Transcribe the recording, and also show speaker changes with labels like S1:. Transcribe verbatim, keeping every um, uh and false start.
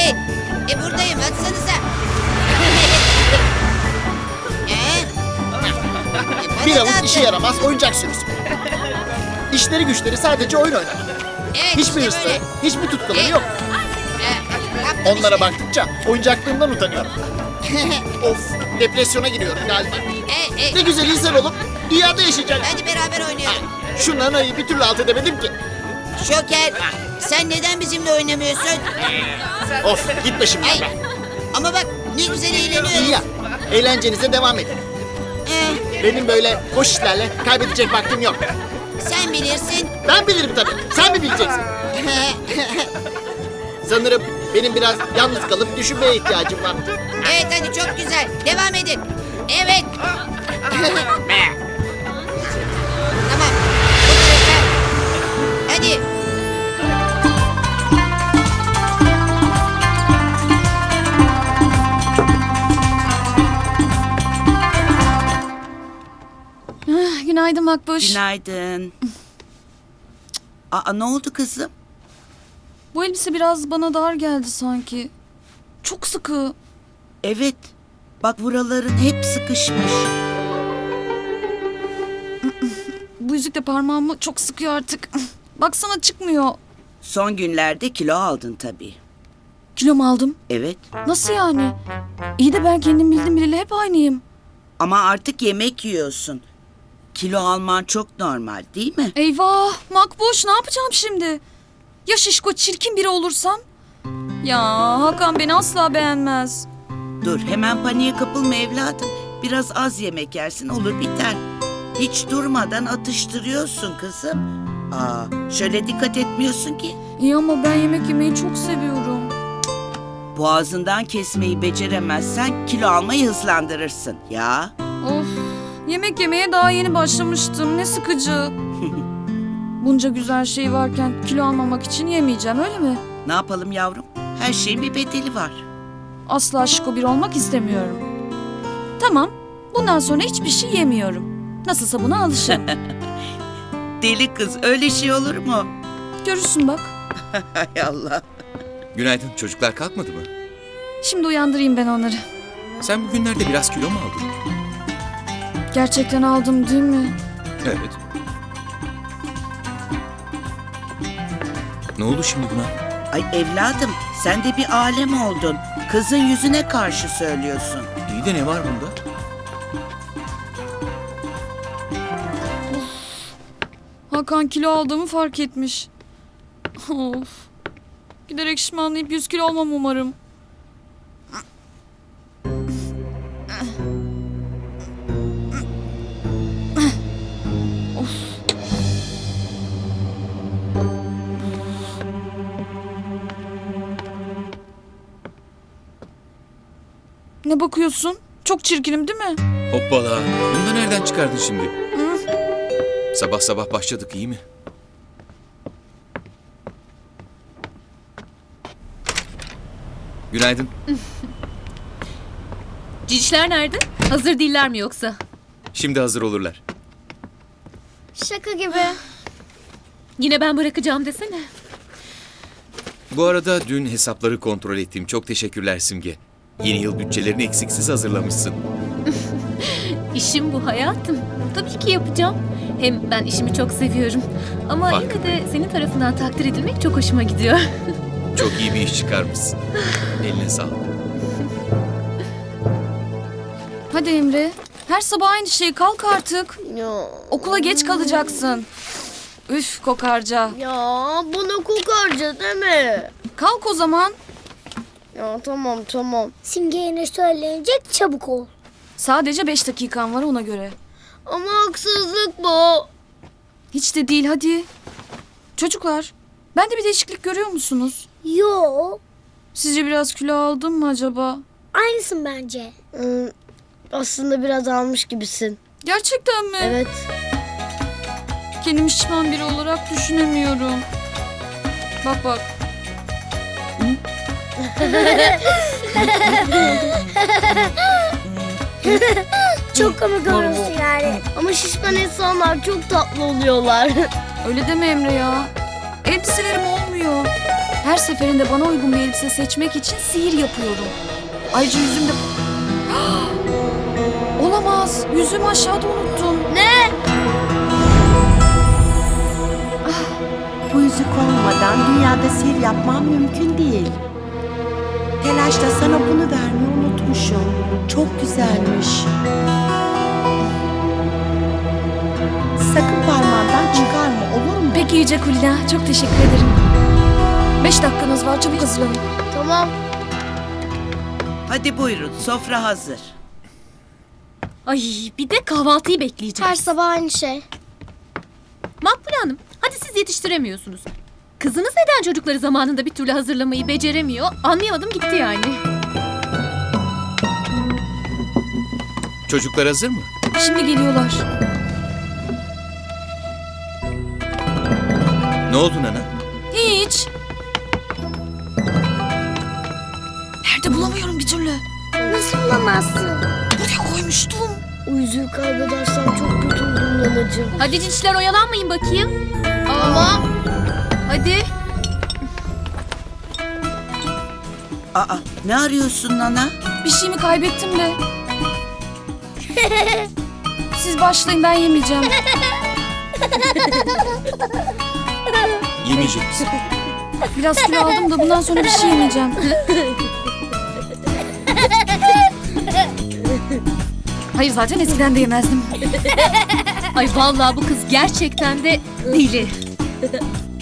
S1: Hey, e buradayım, atsanıza. Ee? E,
S2: Bir
S1: bana
S2: avuç
S1: da
S2: işe
S1: atın.
S2: yaramaz oyuncak sürüsü. İşleri güçleri sadece oyun oynamak.
S1: Evet,
S2: Hiçbir
S1: işte
S2: hırsları,
S1: böyle.
S2: hiçbir tutkuları
S1: E,
S2: yok.
S1: e, yaptım
S2: Onlara
S1: işte.
S2: baktıkça oyuncaklığımdan utanıyorum. Of, depresyona giriyorum galiba.
S1: E, e,
S2: Ne güzel insan olup dünyada yaşayacak.
S1: hadi beraber oynayalım.
S2: Şu nanayı bir türlü alt edemedim ki.
S1: Şoker, sen neden bizimle oynamıyorsun?
S2: Of, git başımdan
S1: Ay,
S2: be.
S1: ama bak ne güzel
S2: İyi
S1: eğleniyoruz.
S2: ya, eğlencenize devam edin.
S1: Ee,
S2: Benim böyle boş işlerle kaybedecek vaktim yok.
S1: sen bilirsin.
S2: Ben bilirim tabii, sen mi bileceksin? Sanırım benim biraz yalnız kalıp düşünmeye ihtiyacım var.
S1: Evet, hadi çok güzel. Devam edin. Evet. Tamam. Bu tarafa. Hadi.
S3: Günaydın Makbuş.
S4: Günaydın. Aa, ne oldu kızım?
S3: Bu elbise biraz bana dar geldi sanki. Çok sıkı.
S4: Evet. Bak buraların hep sıkışmış.
S3: Bu yüzük de parmağımı çok sıkıyor artık. Baksana çıkmıyor.
S4: Son günlerde kilo aldın tabii.
S3: Kilo mu aldım?
S4: Evet.
S3: Nasıl yani? İyi de ben kendim bildim bileli hep aynıyım.
S4: Ama artık yemek yiyorsun. Kilo alman çok normal değil mi?
S3: Eyvah Makbuş, ne yapacağım şimdi? Ya şişko çirkin biri olursam? Ya Hakan beni asla beğenmez.
S4: Dur hemen paniğe kapılma evladım. Biraz az yemek yersin olur biter. Hiç durmadan atıştırıyorsun kızım. Aa, şöyle dikkat etmiyorsun ki.
S3: İyi ama ben yemek yemeyi çok seviyorum.
S4: Boğazından kesmeyi beceremezsen kilo almayı hızlandırırsın. Ya.
S3: Of, yemek yemeye daha yeni başlamıştım. Ne sıkıcı. Bunca güzel şey varken kilo almamak için yemeyeceğim, öyle mi?
S4: Ne yapalım yavrum? Her şeyin bir bedeli var.
S3: Asla şişko bir olmak istemiyorum. Tamam, bundan sonra hiçbir şey yemiyorum. Nasılsa buna alışırım.
S4: Deli kız öyle şey olur mu?
S3: Görürsün bak.
S4: Hay Allah.
S5: Günaydın. Çocuklar kalkmadı mı?
S3: Şimdi uyandırayım ben onları.
S5: Sen bugünlerde biraz kilo mu aldın?
S3: Gerçekten aldım değil mi?
S5: Evet. Ne oldu şimdi buna?
S4: Ay evladım sen de bir alem oldun. Kızın yüzüne karşı söylüyorsun.
S5: İyi de ne var bunda?
S3: Hakan kilo aldığımı fark etmiş. Of. Giderek şişmanlayıp yüz kilo olmam umarım. Of. Ne bakıyorsun? Çok çirkinim değil mi?
S5: Hoppala. Bunu da nereden çıkardın şimdi? Sabah sabah başladık iyi mi? Günaydın.
S6: Cicişler nerede? Hazır değiller mi yoksa?
S5: Şimdi hazır olurlar.
S7: Şaka gibi.
S6: Yine ben bırakacağım desene.
S5: Bu arada dün hesapları kontrol ettim. Çok teşekkürler Simge. Yeni yıl bütçelerini eksiksiz hazırlamışsın.
S6: İşim bu hayatım. Tabii ki yapacağım. Hem ben işimi çok seviyorum. Ama yine
S5: Farkındayım.
S6: de senin tarafından takdir edilmek çok hoşuma gidiyor.
S5: Çok iyi bir iş çıkarmışsın. Eline sağlık.
S3: Hadi Emre. Her sabah aynı şey, kalk artık.
S7: Ya,
S3: Okula geç kalacaksın. Üf kokarca.
S7: ya bana kokarca deme.
S3: Kalk o zaman.
S7: Ya tamam tamam. Simge'ye söylenecek çabuk ol.
S3: Sadece beş dakikan var ona göre.
S7: Ama haksızlık bu.
S3: Hiç de değil, hadi. Çocuklar, bende bir değişiklik görüyor musunuz?
S7: Yo.
S3: Sizce biraz kilo aldım mı acaba?
S7: Aynısın bence. Ee, aslında biraz almış gibisin.
S3: Gerçekten mi?
S7: Evet.
S3: Kendimi şişman biri olarak düşünemiyorum. Bak bak.
S7: Çok komik oluyorsun yani. Ama şişman insanlar çok tatlı oluyorlar.
S3: Öyle deme Emre ya. Elbiselerim olmuyor. Her seferinde bana uygun bir elbise seçmek için sihir yapıyorum. Ayrıca yüzümde... Olamaz. Yüzümü aşağıda unuttum.
S7: Ne?
S8: Bu yüzük olmadan dünyada sihir yapmam mümkün değil. Telaşla sana bunu vermeyi unutmuşum. Çok güzelmiş. Sakın parmağından çıkarma, olur mu?
S3: Peki Yüce Kulina. Çok teşekkür ederim. Beş dakikanız var. Çabuk hazırlanın.
S7: Tamam.
S4: Hadi buyurun, sofra hazır.
S6: Ay bir de kahvaltıyı bekleyeceğim.
S7: Her sabah aynı şey.
S6: Makbule Hanım, hadi siz yetiştiremiyorsunuz. Kızınız neden çocukları zamanında bir türlü hazırlamayı beceremiyor? Anlayamadım gitti yani.
S5: Çocuklar hazır mı?
S3: Şimdi geliyorlar.
S5: Ne oldu Nana?
S3: Hiç. Nerede bulamıyorum bir türlü.
S7: Nasıl bulamazsın?
S3: Buraya koymuştum.
S7: O yüzüğü kaybedersem çok kötü olurum nanacığım.
S6: Hadi cinçler oyalanmayın bakayım.
S7: Ama
S6: Hadi.
S4: Aa, ne arıyorsun Nana?
S3: Bir şeyimi kaybettim de. Siz başlayın, ben yemeyeceğim.
S5: Yemeyecek misin?
S3: Biraz kilo aldım da bundan sonra bir şey yemeyeceğim. Hayır, zaten eskiden de yemezdim.
S6: Ay vallahi bu kız gerçekten de deli.